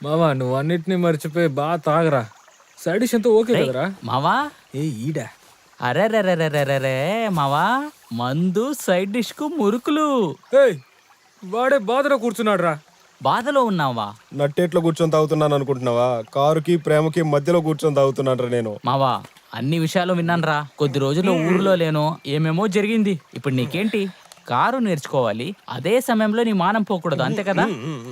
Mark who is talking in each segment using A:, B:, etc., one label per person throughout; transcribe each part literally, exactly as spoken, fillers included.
A: మావా నువ్వు అన్నిటినీ మర్చిపోయి బాగా తాగరా. సైడ్ డిష్ అంతా ఓకే కదరా?
B: మావా
A: ఏ ఈడా
B: అరే రే మావా మందు సైడ్ డిష్ కు మురుకులు.
A: ఏయ్ వాడే బాధలో కూర్చున్నాడు రా.
B: బాధలో ఉన్నావా?
C: నట్టేట్లో కూర్చొని తాగుతున్నాను అనుకుంటున్నావా? కారుకి ప్రేమకి మధ్యలో కూర్చొని తాగుతున్నాను రా నేను.
B: మావా అన్ని విషయాలు విన్నానురా. కొద్ది రోజుల్లో ఊర్లో లేను, ఏమేమో జరిగింది. ఇప్పుడు నీకేంటి? కారు నేర్చుకోవాలి, అదే సమయంలో నీ మానం పోకూడదు, అంతే కదా?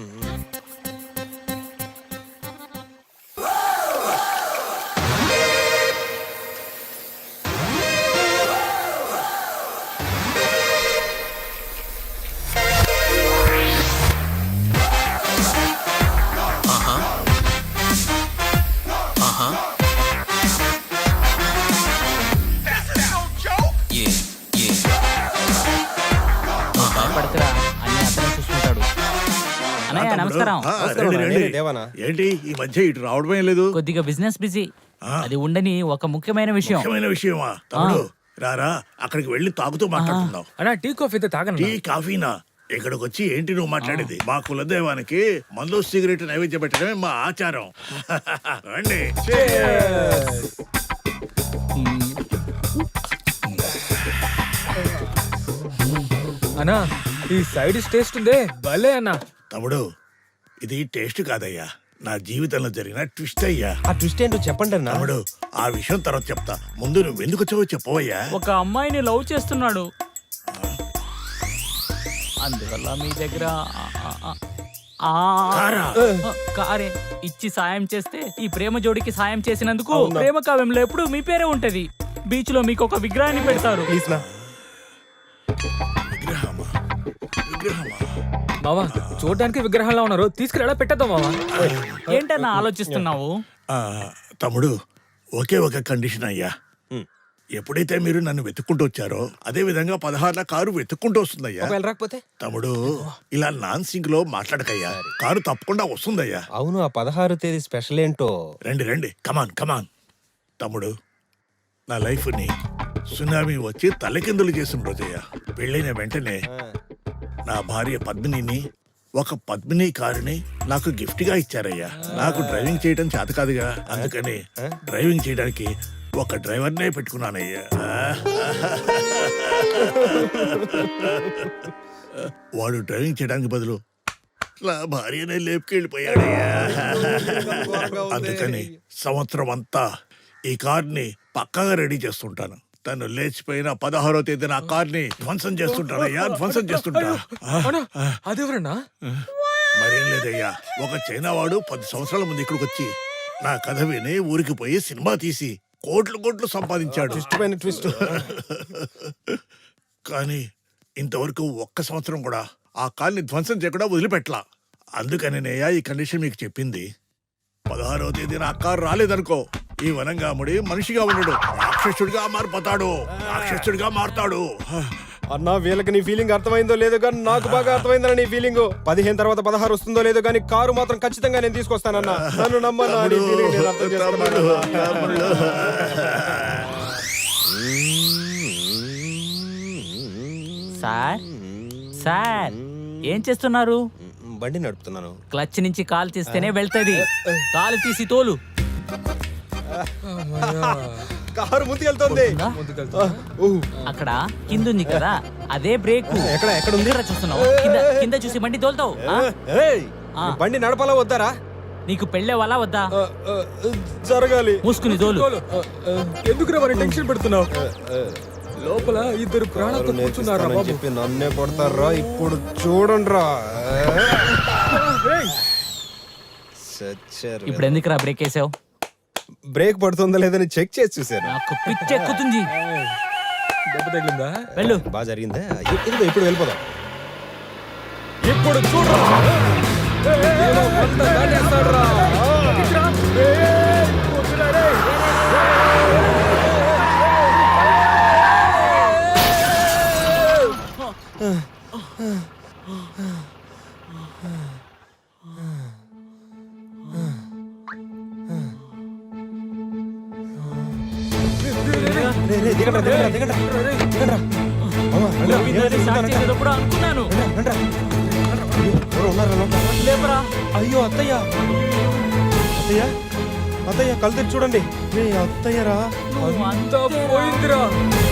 D: ఏంటి ఈ మధ్య ఇటు రావడమే లేదు?
B: కొద్దిగా బిజినెస్ బిజీ. అది ఉండని ఒక ముఖ్యమైన విషయం.
D: ముఖ్యమైన విషయమా? తమ్ముడు రారా, అక్కడికి వెళ్ళి తాగుతూ మాట్లాడుకుందాం.
A: అన్నా టీ కాఫీ అయితే తాగను.
D: టీ కాఫీనా? ఇక్కడికి వచ్చి ఏంటి నువ్వు మాట్లాడేది? మా కులదైవానికి మందు సిగరెట్ నైవేద్యం పెట్టడమే మా ఆచారం. రండి.
A: అన్నా ఈ సైడ్ డిష్ టేస్ట్ ఉందే భలే అన్నా.
D: తమ్ముడు ఇది టేస్ట్ కాదయ్యా, నా జీవితంలో జరిగిన ట్విస్ట్ అయ్యా.
C: ఆ ట్విస్ట్ ఏంటో చెప్పండి అన్న.
D: తమ్ముడు ఆ విషయం తర్వాత చెప్తా, ముందు నువ్వు ఎందుకు వచ్చావో చెప్పవయ్యా.
B: ఒక అమ్మాయిని లవ్ చేస్తున్నాడు, అందువల్ల మీ దగ్గర కారే ఇచ్చి సాయం చేస్తే ఈ ప్రేమ జోడికి సాయం చేసినందుకు ప్రేమ కావ్యంలో ఎప్పుడు మీ పేరే ఉంటది. బీచ్ లో మీకు ఒక విగ్రహాన్ని పెడతారు.
D: విగ్రహమా? విగ్రహమా?
A: మావా చూడడానికి విగ్రహాల్లో ఉన్నారు, తీసుకుని ఎలా పెట్టేద్దాం మావా.
B: ఏంటన్నా ఆలోచిస్తున్నావు?
D: తమ్ముడు ఒకే ఒక కండిషన్ అయ్యా. ఎప్పుడైతే మీరు నన్ను వెతుక్కుంటూ వచ్చారో అదే విధంగా పదహారుల కారు వెతుక్కుంటూ వస్తుందయ్యా.
A: రాకపోతే
D: తమ్ముడు ఇలా నాన్ సింక్ లో మాట్లాడకయ్యా, కారు తప్పకుండా వస్తుందయ్యా.
C: అవును, ఆ పదహారు తేదీ స్పెషల్ ఏంటో.
D: రండి రండి, కమాన్ కమాన్. తమ్ముడు నా లైఫ్ ని సునామీ వచ్చి తలకిందులు చేసిన రోజయ్యా. పెళ్ళైన వెంటనే నా భార్య పద్మినిని ఒక పద్మిని కారుని నాకు గిఫ్ట్ గా ఇచ్చారయ్యా. నాకు డ్రైవింగ్ చేయడం చేత కాదుగా, అందుకని డ్రైవింగ్ చేయడానికి ఒక డ్రైవర్నే పెట్టుకున్నానయ్యా. వాడు డ్రైవింగ్ చేయడానికి బదులు నా భార్యనే లేపుకెళ్ళిపోయాడయ్యా. అందుకని సంవత్సరం అంతా ఈ కార్ని పక్కాగా రెడీ చేస్తుంటాను. తను లేచిపోయిన పదహారో తేదీన ఆ కార్ని ధ్వంసం చేస్తుంటానయ్యా, ధ్వంసం చేస్తుంటా.
A: అదెవరన్నా?
D: మరేం లేదయ్యా, ఒక చైనా వాడు పది సంవత్సరాల ముందు ఇక్కడికి వచ్చి నా కథ విని ఊరికి పోయి సినిమా తీసి కోట్లు కోట్లు సంపాదించాడు.
C: ఇష్టమైన ట్విస్ట్.
D: కానీ ఇంతవరకు ఒక్క సంవత్సరం కూడా ఆ కార్ని ధ్వంసం చేయకుండా వదిలిపెట్టలా. అందుకని నేయా ఈ కండిషన్ మీకు చెప్పింది. పదహారవ తేదీన ఆ కారు రాలేదనుకో, ఈ వనంగాముడి మనిషిగా ఉండడు, రాక్షసుడిగా మారిపోతాడు, రాక్షసుడిగా మారుతాడు.
C: అన్నా వీళ్ళకి నీ ఫీలింగ్ అర్థమైందో లేదో కానీ నాకు బాగా అర్థమైందన్న నీ ఫీలింగ్. పదిహేను తర్వాత పదహారు వస్తుందో లేదో కానీ కారు మాత్రం ఖచ్చితంగా నేను తీసుకొస్తానన్నా. నన్ను నమ్మన్నా.
B: సార్ సార్ ఏం చేస్తున్నారు?
C: బండి నడుపుతున్నాను.
B: క్లచ్ నుంచి కాలు తీస్తేనే వెళ్తది, కాలు తీసి తోలు.
C: కారు ముందుకెళ్తుంది.
B: అక్కడ కింద ఉంది కదా, అదే బ్రేక్.
C: ఎక్కడ ఎక్కడ ఉంది?
B: చూస్తున్నావు? కింద కింద చూసి బండి తోలుతావు.
C: బండి నడపాలా వద్దారా?
B: నీకు పెళ్ళే వాళ్ళ వద్దా?
C: జరగాలి.
B: మూసుకుని తోలు.
A: ఎందుకు మరి టెన్షన్ పెడుతున్నావు? లోపల ఇద్దరు ప్రాణాలతో కూర్చున్నారా
C: చెప్పి నన్నే కొడతారా? ఇప్పుడు చూడండి రా.
B: ఇప్పుడు ఎందుకురా బ్రేక్ వేసావు?
C: బ్రేక్ పడుతుందా లేదని చెక్ చేసి చూసాను.
B: నాకు పిచ్చి ఎక్కుతుంది.
A: దెబ్బ తగిలిందా?
B: వెళ్ళు.
C: బాగా జరిగిందా? ఇప్పుడు వెళ్ళిపోదాం.
A: ఇప్పుడు చూడరా.
B: అనుకున్నాను.
C: అయ్యో అత్తయ్య, అత్తయ్య అత్తయ్య కళ్ళు తెరిచి చూడండి మీ అత్తయ్యరా
A: అంతా పోయిందిరా.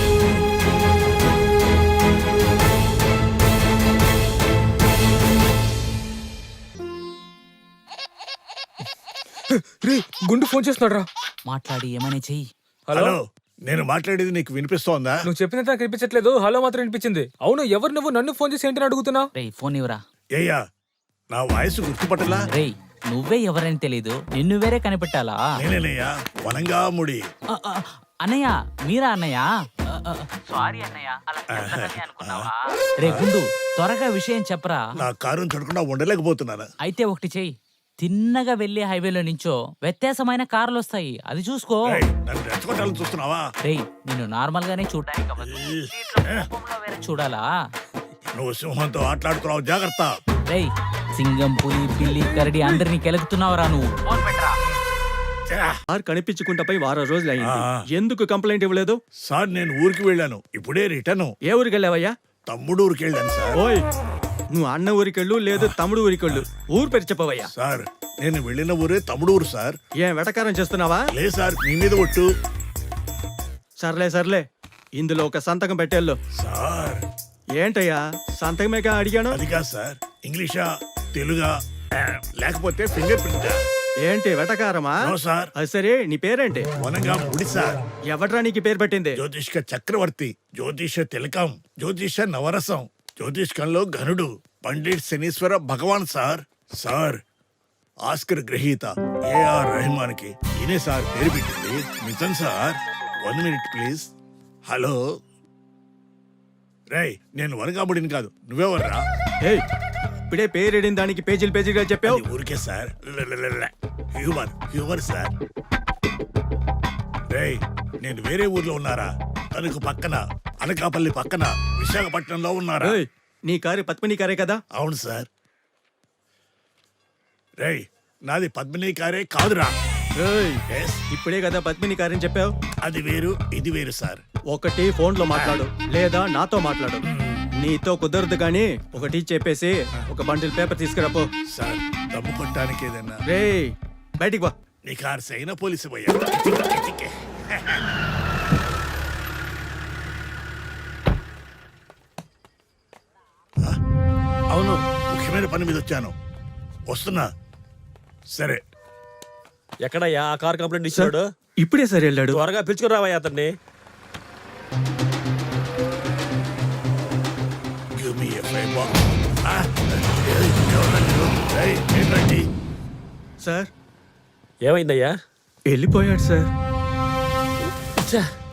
A: రే గుండు ఫోన్ చేస్తున్నాడు రా.
B: మాట్లాడి ఏమైనా చెయ్యి.
A: హలో,
D: హలో నేను మాట్లాడేది నీకు వినిపిస్తోందా?
A: నువ్వు చెప్పినంత నాకు వినిపించట్లేదు. హలో మాత్రం వినిపించింది. అవును, ఎవరు నువ్వు? నన్ను ఫోన్ చేసి ఏంటని అడుగుతున్నావు?
B: రేయ్ ఫోన్ ఇవ్వరా.
D: ఏయ్యా నా వాయిస్ గుర్తుపట్టలా?
B: రేయ్ నువ్వే ఎవరని తెలీదు, నిన్ను వేరే కనిపెట్టాలా?
D: నేనేనయ్యా వనంగా ముడి.
B: ఆ, ఆ, అన్నయ్య మీరా అన్నయ్య? సారీ అన్నయ్య, అలా చెప్తానని అనుకున్నావా? రే గుండు త్వరగా విషయం చెప్పరా.
D: నా కారుని చూడకుండా ఉండలేకపోతున్నాను.
B: అయితే ఒకటి చెయ్యి, తిన్నగా వెళ్లి హైవేలో నుంచో వ్యత్యాసమైన కార్లు వస్తాయి, అది చూసుకో.
D: రేయ్, నన్ను రెచ్చగొట్టాలని చూస్తున్నావా?
B: రేయ్ నిన్ను నార్మల్ గానే చూడడానికి అవ్వదు, సీట్లో కోపంలో వేరే చూడాలా?
D: నువ్వు సింహంతో ఆటలాడుతున్నావు, జాగ్రత్త.
B: రేయ్ సింగం పులి పిల్లి కరడి అందరినీ కెలుకుతున్నావురా నువ్వు. ఫోన్ పెట్టరా.
D: ఛా!
E: కార్ కనిపించుకుంటా పోయి వారం రోజులు అయింది.
D: ఆ.
E: ఎందుకు కంప్లైంట్ ఇవ్వలేదు?
D: సార్ నేను ఊరికి వెళ్ళాను, ఇప్పుడే రిటర్న్.
E: ఏ ఊరికి వెళ్ళావయ్యా?
D: తమ్ముడు ఊరికి వెళ్ళాను సార్.
E: ఓయ్ నువ్వు అన్న ఊరికెళ్ళు లేదు తమ్ముడు ఊరికెళ్ళు, ఊరు పేరు చెప్పవయ్యా.
D: సార్ నేను వెళ్ళిన ఊరే తమ్ముడు ఊరు సార్.
E: ఏం వెటకారం చేస్తున్నావా?
D: లే సార్, మీ మీద ఒట్టు.
E: సర్లే సర్లే, ఇందులో ఒక సంతకం పెట్టేళ్ళు.
D: సార్
E: ఏంటయ్యా సంతకమేగా అడిగాను?
D: అది కాదు సార్, ఇంగ్లీషా తెలుగా ఆ, లేకపోతే ఫింగర్ ప్రింటా?
E: ఏంటి వెటకారమా?
D: నో సార్,
E: అది సరే, నీ పేరేంటి?
D: వనంగా ముడి సార్.
E: ఎవట్రా నీకు పేరు పెట్టింది?
D: జ్యోతిష్క చక్రవర్తి, జ్యోతిష తిలకం, జ్యోతిష నవరసం, జ్యోతిష్కంలో ఘనుడు, Pandit Shanishwara Bhagavan sir. Sir Oscar గ్రహీత ఏఆర్ రెహమాన్ కి ఈయనే సార్ పేరు పెట్టింది. నిజం sir. One minute please. Hello రేయ్, నేను వనగాముడిని కాదు, నువ్వెవర్రా?
E: ఏయ్ ఇప్పుడే పేరేడిన దానికి పేజీలు పేజీలుగా చెప్పావు.
D: అది ఊరికే సార్, హ్యూమర్ హ్యూమర్ సార్. రేయ్ నేను వేరే ఊర్లో ఉన్నారా? తనకు పక్కన అనకాపల్లి పక్కన విశాఖపట్నంలో ఉన్నారా?
E: ఏయ్, నీ కారు పద్మిని కారే కదా?
D: అవును సార్. రేయ్ నాది పద్మిని కారే కాదురా.
E: ఏయ్,
D: Yes,
E: ఇప్పుడే కదా పద్మిని కారని చెప్పావు.
D: అది వేరు ఇది వేరు సార్.
E: ఒకటి ఫోన్ లో మాట్లాడు లేదా నాతో మాట్లాడు. నీతో కుదరదు గాని ఒకటి చెప్పేసి ఒక బండిల్ పేపర్ తీసుకురాపో.
D: సార్ దమ్ము కొట్టడానికి ఏదన్నా?
E: రే బయటికి వా.
D: నీ కారు సైన పోలీసు పోయా. అవును, ముఖ్యమైన పని మీద వచ్చాను, వస్తున్నా. సరే
F: ఎక్కడయ్యా ఆ కార్ కంప్లైంట్ ఇచ్చాడు?
E: ఇప్పుడే సరే వెళ్ళాడు.
F: త్వరగా పిలుచుకురావయ్యా అతన్ని.
D: Give me a favor. Ah, ఎవరండి? ఏయ్, ఏంటండి?
E: సార్
F: ఏమైందయ్యా?
E: వెళ్ళిపోయాడు సార్.
F: ఛ!